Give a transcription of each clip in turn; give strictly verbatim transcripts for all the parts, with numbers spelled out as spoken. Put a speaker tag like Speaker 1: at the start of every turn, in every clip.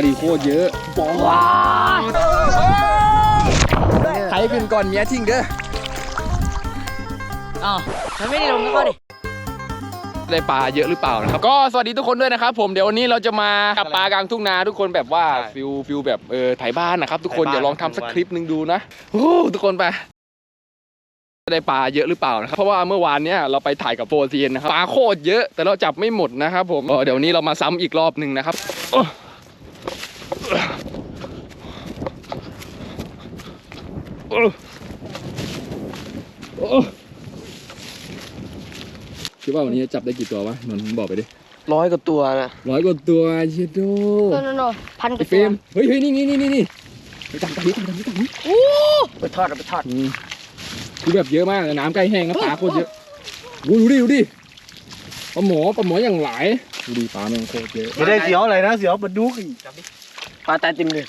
Speaker 1: ดิโคตรเยอะว้าใครขึ้นก่อนเมียทิ้งเด้อ
Speaker 2: อ๋อมันไม่ได้ลงก็เข้าดิ
Speaker 1: ได้ปลาเยอะหรือเปล่านะครับก็สวัสดีทุกคนด้วยนะครับผมเดี๋ยววันนี้เราจะมากับปลากลางทุ่งนาทุกคนแบบว่าฟิลฟิลแบบเออถ่ายบ้านนะครับทุกคนเดี๋ยวลองทำสักคลิปหนึ่งดูนะโอ้ทุกคนไปได้ปลาเยอะหรือเปล่านะครับเพราะว่าเมื่อวานเนี้ยเราไปถ่ายกับโฟร์เซียนนะครับปลาโคตรเยอะแต่เราจับไม่หมดนะครับผมเดี๋ยวนี้เรามาซ้ำอีกรอบหนึ่งนะครับคิดว่าวันนี้จะจับได้กี่ตัววะนนท์บอกไปดิ
Speaker 2: ร้อยกว่าตัวนะ
Speaker 1: ร้อยกว่าตัวเชโด
Speaker 3: โนโนโนพันกว่า
Speaker 1: ตัวเฮ้ยเฮ้ยนี่นี่นี่นี่นี่ไปจับจับนี้จับนี้จับนี้
Speaker 2: โอ้ไปทอดเอาไปทอด
Speaker 1: คือแบบเยอะมากน้ำใกล้แห้งแล้วปลาโคตรเยอะดูดิดูดิปลาหมอปลาหมออย่างหลายดูดิปลาแม่งโคตรเยอะ
Speaker 4: ไม่ได้เสียวอะไรนะเสียวปลาดุก
Speaker 2: ปลาตายเต็มเลย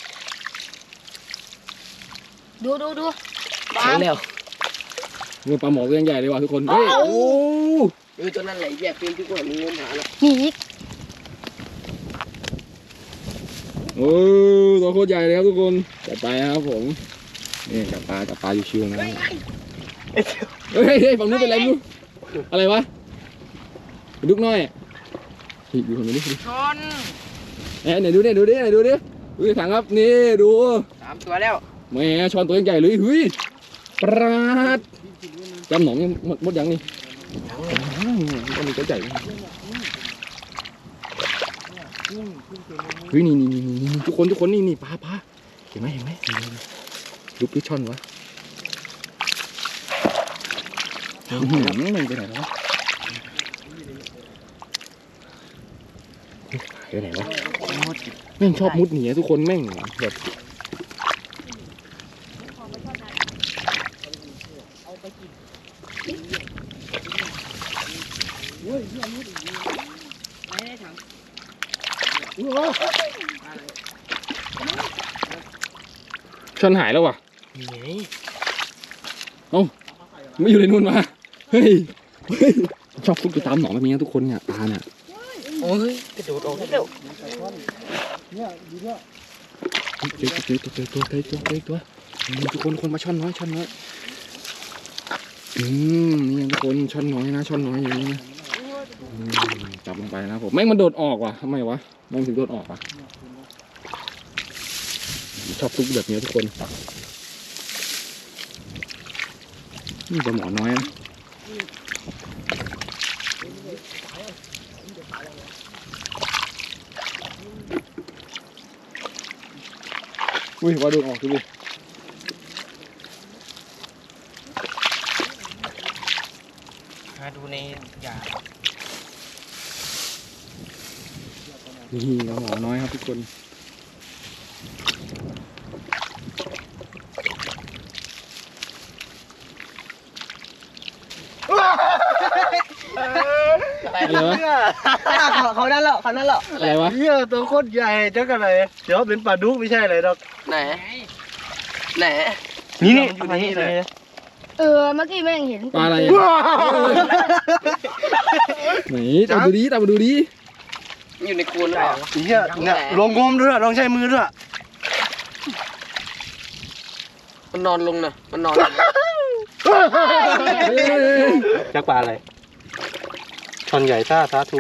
Speaker 3: ดูดูดู
Speaker 2: ปลาแล้ว
Speaker 1: มือปลาหมอก็ยังใหญ่เลยว่ะทุกคนเฮ้ยโอ้
Speaker 2: ดูตัวนั้นไหลแยกเป็นที่กว่ามีเงินหาเลย
Speaker 3: มีอีก
Speaker 1: โอ้ตัวโคตรใหญ่เลยครับทุกคนจัดไปครับผมนี่จับปลาจับปลาอยู่ชิวนะเฮ้ยเฮ้ยฝั่งนู้นเป็นอะไรนู้นอะไรวะเป็นดุกน้อยดูคนนี้ดิ
Speaker 2: ชน
Speaker 1: เอ้ยไหนดูดิดูดิไหนดูดิดูถังครับนี่ดู
Speaker 2: สามตัวแล้ว
Speaker 1: แม่ช้อนตัวใหญ่เลยเฮ้ยปราดจำหนองยังหมดหมดยังนี่ยังมีตัวใหญ่เฮ้ยนี่นี่นี่ทุกคนทุกคนนี่นี่ปลาปลาเห็นไหมเห็นไหมลุกที่ช่อนวะมันไปไหนวะไปไหนวะแม่งชอบมุดหนีทุกคนแม่งแบบช่อนหายแล้วว่ะเอ้าไม่อยู่ในนู่นมาเฮ้ยชอบฟุกไปตามหนองแบบนี้ทุกคนเนี่ยปลาเนี่ย
Speaker 2: โอ้ยกระโดดออกเร็ว
Speaker 1: เจอเจอตัวเจอตัวเจอตัวเจอตัวทุกคนคนมาช่อนน้อยช่อนน้อยอืมนี่ทุกคนช่อนน้อยนะช่อนน้อยอย่างนี้นะจับลงไปนะผมแม่งมันโดดออกว่ะทำไมวะแม่งถึงโดดออกว่ะชอบฟุกแบบนี้ทุกคนนี่ปลาหมอน้อยนะอุ้ยว่าโดนออกดูดิ
Speaker 2: มาดูในยา
Speaker 1: นี่ปลาหมอน้อยครับทุกคนอะไรวะ
Speaker 2: เขาเขานั่นแหละเขานั่นแหละ
Speaker 1: อะไรวะ
Speaker 4: เหี้ยตัวโคตรใหญ่จังอะไรเดี๋ยวเป็นปลาดุกไม่ใช่อะไรหรอก
Speaker 2: ไหนไหน
Speaker 4: นี่นี่อยู่นี่เลย
Speaker 3: เออเมื่อกี้แม่งเห็น
Speaker 1: ปลาอะไรไหนตามดูดิตามดูดิ
Speaker 2: อยู่ในโคนเลย
Speaker 4: เหี้ยเนี่ยลองงมด้วยลองใช้มือด้วย
Speaker 2: มันนอนลงนะมันนอน
Speaker 4: จักปลาอะไรช่อนใหญ่ท่าสาธุ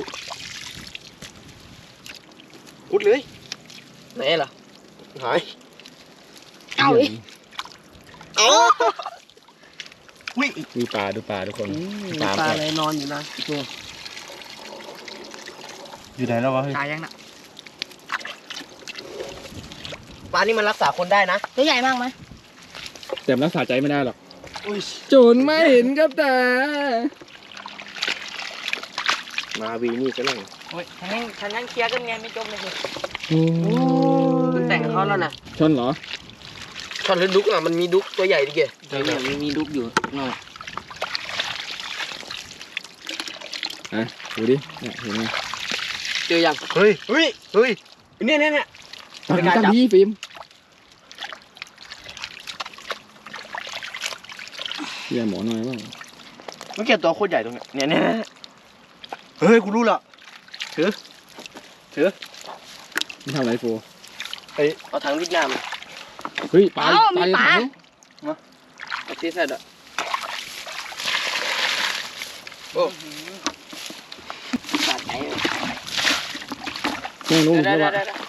Speaker 4: อุดเลย
Speaker 2: ไหนล่ะ
Speaker 4: หาย
Speaker 3: เอาอีก
Speaker 4: เอา
Speaker 1: วิ่งดูปลาดูปลาทุกคน
Speaker 2: ปลาอะไรนอนอยู่นะตัว
Speaker 4: อยู่ไหนแล้ววะ
Speaker 2: ตายยังน่ะปลานี่มันรักษาคนได้นะ
Speaker 3: ตัวใหญ่มากไหม
Speaker 1: แต่รักษาใจไม่ได้หรอกโจรไม่เห็นกับตา
Speaker 4: มาวีนี่ก็เลย
Speaker 2: โอ้ยฉันนั่งฉันนั่งเคลียร์กันไงไม่จบเลยคุณแต่งกับเขาแล้วนะ
Speaker 1: ชนเหรอ
Speaker 2: ชนหรือดุกอ่ะมันมีดุกตัวใหญ่ดิเกเนี่ยมีมีดุกอยู่หน่อย
Speaker 1: อ่ะดูดิเนี่ยเห็นไหม
Speaker 2: เจอยัง
Speaker 4: เฮ้ยเฮ้ยเฮ้ย
Speaker 2: เนี่ยเนี่ยเนี่ย
Speaker 1: ตั้งตั้งที่ฟิล์มเยี่ยหมอหน่อยบ้าง
Speaker 4: มันเก็บตัวโคตรใหญ่ตรงเนี้ยเนี่ยเนี่ยเฮ้ยกูรู้ละถือถือ
Speaker 1: ไม่ทำอะไรโฟ
Speaker 4: ไอ้
Speaker 2: เอาถังวิดน้ำ
Speaker 1: เฮ้ยปลา
Speaker 3: เอ้า
Speaker 1: ปลา
Speaker 3: มีปลา
Speaker 1: ถัง
Speaker 2: เอาที่ใส่ดอกโอ้ปลาไหน
Speaker 1: แม่งรู้
Speaker 2: ได้
Speaker 1: ไหม
Speaker 2: ได้
Speaker 1: ว่า
Speaker 2: ได้ได้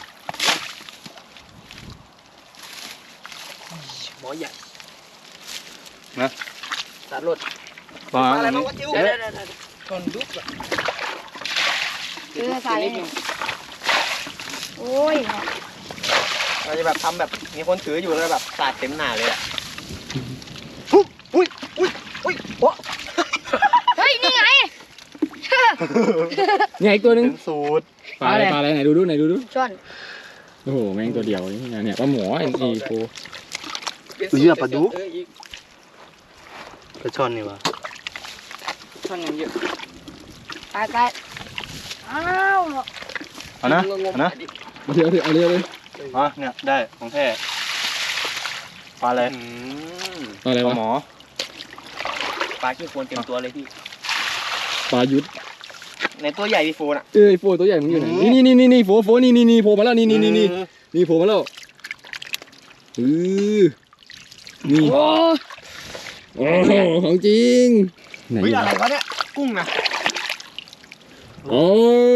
Speaker 2: หมอใหญ่
Speaker 4: นะ
Speaker 2: ตัดรถ
Speaker 4: ปลา
Speaker 2: อะไรมาวะจิ้วได้ได้ได้ได้ชนดุ๊กอะ
Speaker 3: เออใส่โอ้ย
Speaker 2: เราจะแบบทำแบบมีคนถืออยู่แล้วแบบสาดเต็มหน้าเลยอ่ะ
Speaker 4: อุ้ยอุ้ยอุ้ยโอ้
Speaker 3: เฮ้ยนี่ไง
Speaker 1: เนี่ยอีกตัวหนึง
Speaker 4: เป็นสูตร
Speaker 1: ปลาอะไรปลาอะไรไหนดูดูไหนดูดู
Speaker 3: ช่อน
Speaker 1: โอ้โหแม่งตัวเดียวนี่ไงเนี่ยปลาหมอไอ้นี่โฟ
Speaker 4: เหี้ยปลาดุก
Speaker 2: เอออีก
Speaker 4: ปลาช่อนนี่วะ
Speaker 2: ช่อนยังเยอะ
Speaker 3: ไปไปอ้าว
Speaker 4: เอานะเอานะ
Speaker 1: เอาเถอะเอาเถอะเอาเลย
Speaker 4: อ๋อเนี่ยได้ของแท้ปลาอะไร
Speaker 1: ปลาอะไร
Speaker 4: ปลาว
Speaker 1: ะ
Speaker 4: หมอ
Speaker 2: ปลาขี้โคลนเต็มตัวเลยพี่
Speaker 1: ปลายุทธ
Speaker 2: ในตัวใหญ่พี่โฟนอ่ะ
Speaker 1: เอ้ยโฟตัวใหญ่มึงอยู่ไหนนี่นี่นี่นี่โฟโฟนี่นี่นี่โผล่มาแล้วนี่นี่นี่นี่นี่โผล่มาแล้วเออนี่
Speaker 3: โอ้
Speaker 1: โอ้โหของจริงไหน
Speaker 2: เฮ้ย
Speaker 1: อยู่
Speaker 2: อะไรวะเนี่ยกุ้งนะ
Speaker 1: โอ้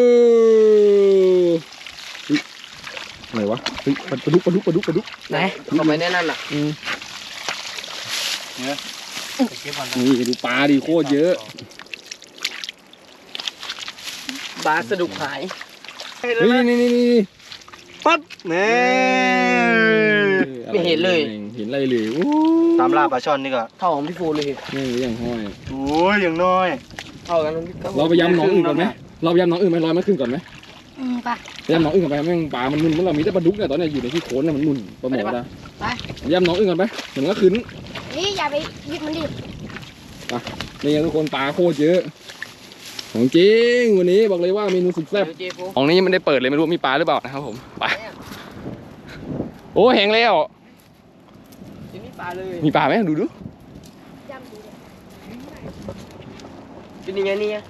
Speaker 1: เฮ้ยอะไรวะเฮ้ยปลาดุกปลาดุกปลาดุกปลาดุก
Speaker 2: ไหนเข้าไปในนั่นน่ะ
Speaker 1: อืม
Speaker 4: เนี่ยเก็บก่อน
Speaker 1: นี่ดูปลาดิโคตรเยอะ
Speaker 2: ปลาสะดุกหาย
Speaker 1: เฮ้ยนี่นี่นี่นี่
Speaker 4: ปั๊บเนี่ย
Speaker 2: ไม่เห็นเลย
Speaker 1: เห็นอะไรเลยโอ้
Speaker 4: ตามล่าปลาช่อนนี่ก็
Speaker 2: เท่าของพี่โฟนเลย
Speaker 1: แม่งยังห้อย
Speaker 4: โอ้ยอย่างน้อย
Speaker 2: เท่ากันพี่
Speaker 1: เราไปย้ำหน้องอื่นก่อนไหมเราไปย้ำหน้องอื่นไหมลอยมันขึ้นก่อนไหม
Speaker 3: อืมไป
Speaker 1: ไปย้ำหน้องอื่นก่อนไปแม่งปลามันมึนมันเรามีแต่ปลาดุกเนี่ยตอนเนี้ยอยู่ในที่โคนน่ะมันมึนปลาหมอนะ
Speaker 3: ไป
Speaker 1: ย้ำหน้องอื่นก่อนไปเดี๋ยวมันก็ขึ้น
Speaker 3: นี่อย่าไปยึดมันดิ
Speaker 1: นี่ไงทุกคนปลาโคตรเยอะของจริงวันนี้บอกเลยว่าเมนูสุดแซ่บ
Speaker 2: เจโฟ
Speaker 1: ของนี้มันได้เปิดเลยไม่รู้มีปลาหรือเปล่านะครับผมไปโอ้แห้งแล้ว
Speaker 2: จะมีปลาเลย
Speaker 1: มีปลาไหมดูดู
Speaker 3: จำดูดิ
Speaker 2: เป็นยังไงนี่ไง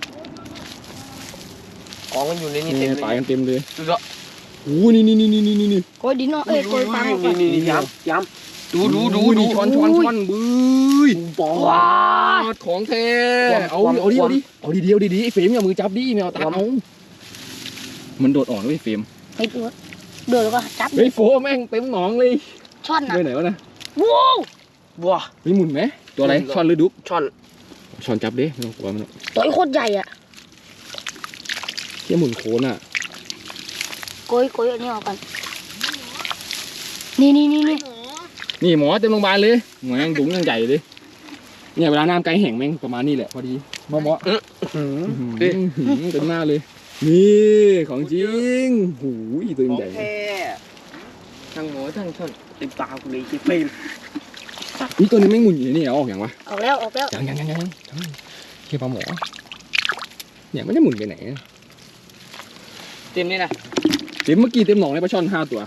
Speaker 2: ของมันอยู่ในนี้
Speaker 1: นี่
Speaker 2: เต็ม
Speaker 1: ปลา
Speaker 2: เลย
Speaker 1: กันเต็มเลย
Speaker 2: ดูสิ
Speaker 1: โอ้นี่นี่นี่นี่นี่นี่
Speaker 3: โกยดินเนาะเอ้ยโกยฟังก่อน
Speaker 2: นี่นี่ย้ำย้ำดูดูดูดู
Speaker 1: ช้อนช้อนช้อนบื้ย
Speaker 2: ปอ
Speaker 3: ว้า
Speaker 1: ของแท้
Speaker 2: ความ
Speaker 1: เอา
Speaker 2: ความ
Speaker 1: เอาดิ
Speaker 2: ควา
Speaker 1: เอา
Speaker 2: ม
Speaker 1: ดิเอาดีเดียวดีดีไอ้เฟรมอย่ามือจับดิไม่เอาตาเอามันโดดอ่อนด้วยเฟรม
Speaker 3: เฮ้ยตัวเดือดแล้วก็จับ
Speaker 1: เฮ้ยโฟแม่งเต็มหนองเลย
Speaker 3: ช่อนนะ
Speaker 1: ไปไหนวะนะ
Speaker 3: ว้าว
Speaker 2: บัว
Speaker 1: มีหมุนไหมตัวอะไร
Speaker 2: หมุนเหรอ
Speaker 1: ช้อนหรือดุ๊ก
Speaker 2: ช่อน
Speaker 1: ช้อนจับดิไม่ต้องกลัวมันหรอก
Speaker 3: ตัวไอ้โคตรใหญ่อ่ะ
Speaker 1: เที่ยหมุนโคนอ่ะ
Speaker 3: โกยโกยอันนี้ออกก่อนนี่นี่นี่นี่
Speaker 1: นี่หมอเต็มโรงพยาบาลเลยหมอยังดุงยังใหญ่เลยเนี่ยเวลาน้ำไกลแห้งแม่งประมาณนี้แหละพอดีหมอหมอ
Speaker 2: หืม
Speaker 1: อื้อหือเต็มหน้าเลย นี่ของจริงหูยตัว
Speaker 2: ของ
Speaker 1: ใหญ่
Speaker 2: แท้ทั้งหมูทั้งช่อนเต็มปากกูเลยคิดไม่
Speaker 1: นี่ตัวนี้แม่งหมุนอยู่นี่เอาออกอย่างวะ
Speaker 3: ออกแล้วออกแล้ว
Speaker 1: ยังยังยังยังยังเฮียปลาหมอเนี่ยไม่ได้หมุนไปไหนอะ
Speaker 2: เต็มนี่นะ
Speaker 1: เต็มเมื่อกี้เต็มหนองเลยปลาช่อนห้าตัว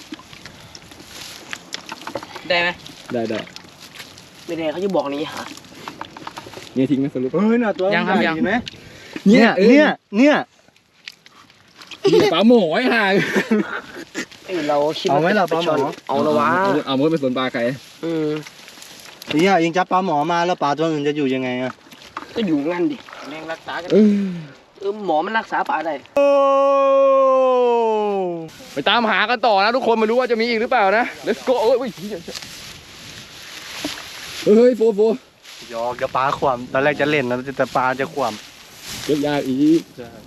Speaker 2: ได้ไหม
Speaker 1: ได้ได้
Speaker 2: ไม่ได้เขาจะบอกนี้หา
Speaker 1: เนี่ยทิ้งไหมสรุป
Speaker 4: เฮ้ยน่ะตัว
Speaker 2: ยังครับ
Speaker 4: ใหญ่
Speaker 2: ยัง
Speaker 4: เห็นไหม
Speaker 1: เนี่ย
Speaker 4: เนี่ยเนี่ย
Speaker 1: เนี่ยปลาหมอไอ้ห่า
Speaker 2: เอ้ยเราคิด
Speaker 4: เอาไหมล่ะปลาหมอ
Speaker 2: เอาละวะ
Speaker 1: เอาเอามือไปสวนปลาไก่
Speaker 2: อืม
Speaker 4: เนี่ยยิงจับปลาหมอมาแล้วปลาตัวอื่นจะอยู่ยังไงอะ
Speaker 2: ก็อยู่งั้นดิแม่งรักษากัน
Speaker 1: เออ
Speaker 2: เออหมอมันรักษาปลาได้
Speaker 4: โอ้
Speaker 1: ไปตามหากันต่อนะทุกคนไม่รู้ว่าจะมีอีกหรือเปล่านะ let's go เอ้ยเฮ้ยเฮ้ยโฟโฟ
Speaker 4: ยอกเดี๋ยวปลาขวามตอนแรกจะเล่นนะแต่ปลาจะขวาม
Speaker 1: เก็บยากอีก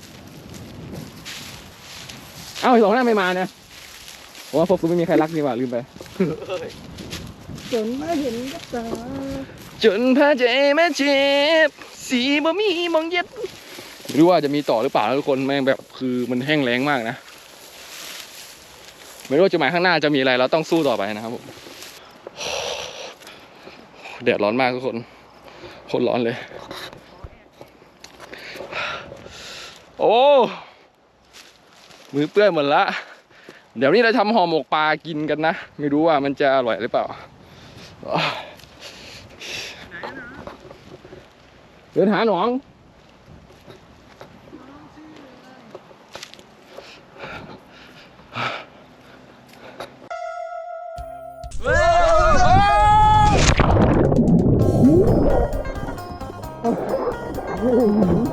Speaker 1: เอ้าไอ้สองหน้าไม่มาเนี่ยเพราะว่าพวกกูไม่มีใครรักนี่หว่าลืมไป
Speaker 3: จนมาเห็นกับตา
Speaker 1: จนพาใจแม่เจ็บสีบ่มีมองเย็บไม่รู้ว่าจะมีต่อหรือเปล่านะทุกคนแม่งแบบคือมันแห้งแล้งมากนะไม่รู้ว่าจุดหมายข้างหน้าจะมีอะไรเราต้องสู้ต่อไปนะครับผมแดดร้อนมากทุกคนโคตรร้อนเลย โอ้มือเปื้อนหมดละเดี๋ยวนี้เราทำห่อหมกปลากินกันนะไม่รู้ว่ามันจะอร่อยหรือเปล่าเดินหาหนอง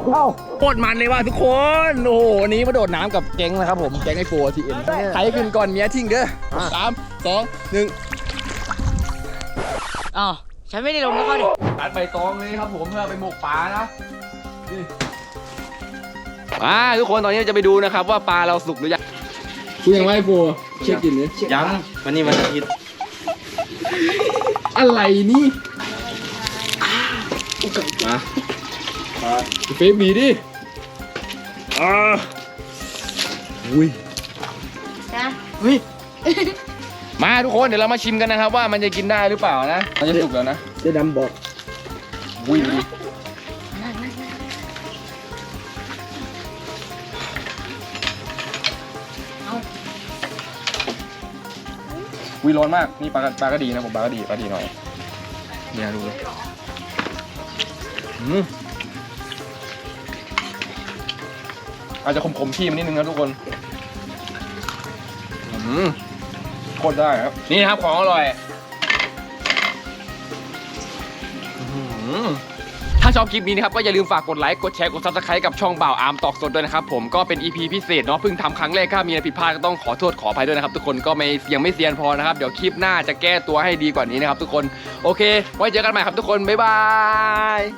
Speaker 1: โคตรมันเลยว่ะทุกคนโอ้โหวันนี้มาโดดน้ำกับแก๊งนะครับผมแก๊งไอโฟทีเอ็นใครขึ้นก่อนเมียทิ้งเด้อสามสองหนึ่ง
Speaker 3: อ๋อฉันไม่ได้ลงกับเขาดิ
Speaker 1: ตัดใบตองเลยครับผมเพื่อไปหมกปลานะนี่มาทุกคนตอนนี้จะไปดูนะครับว่าปลาเราสุกหรือยังคุณยังไม่โฟเช็คกินนี่
Speaker 4: ยังวันนี้วันอาทิตย์
Speaker 1: อะไรนี่มาเฟรมดีดิอ่าอุ้ย
Speaker 3: นะ
Speaker 1: เฮ้ยมาทุกคนเดี๋ยวเรามาชิมกันนะครับว่ามันจะกินได้หรือเปล่านะมันจะสุกแล้วนะ
Speaker 2: เจ๊ดำบอก
Speaker 1: อุ้ยอุ้ยร้อนมากนี่ปลาปลาก็ดีนะผมปลาก็ดีปลาดีหน่อยเนี่ยดูเลยอืมอาจจะขมๆพี่มันนิดนึงนะทุกคนอืมโคตรได้ครับนี่นะครับของอร่อยถ้าชอบคลิปนี้นะครับก็อย่าลืมฝากกดไลค์กดแชร์กดซับสไครต์กับช่องบ่าวอาร์มตอกสดด้วยนะครับผมก็เป็น อี พี พิเศษเนาะเพิ่งทำครั้งแรกถ้ามีอะไรผิดพลาดก็ต้องขอโทษขออภัยด้วยนะครับทุกคนก็ไม่ยังไม่เซียนพอนะครับเดี๋ยวคลิปหน้าจะแก้ตัวให้ดีกว่านี้นะครับทุกคนโอเคไว้เจอกันใหม่ครับทุกคนบ๊ายบาย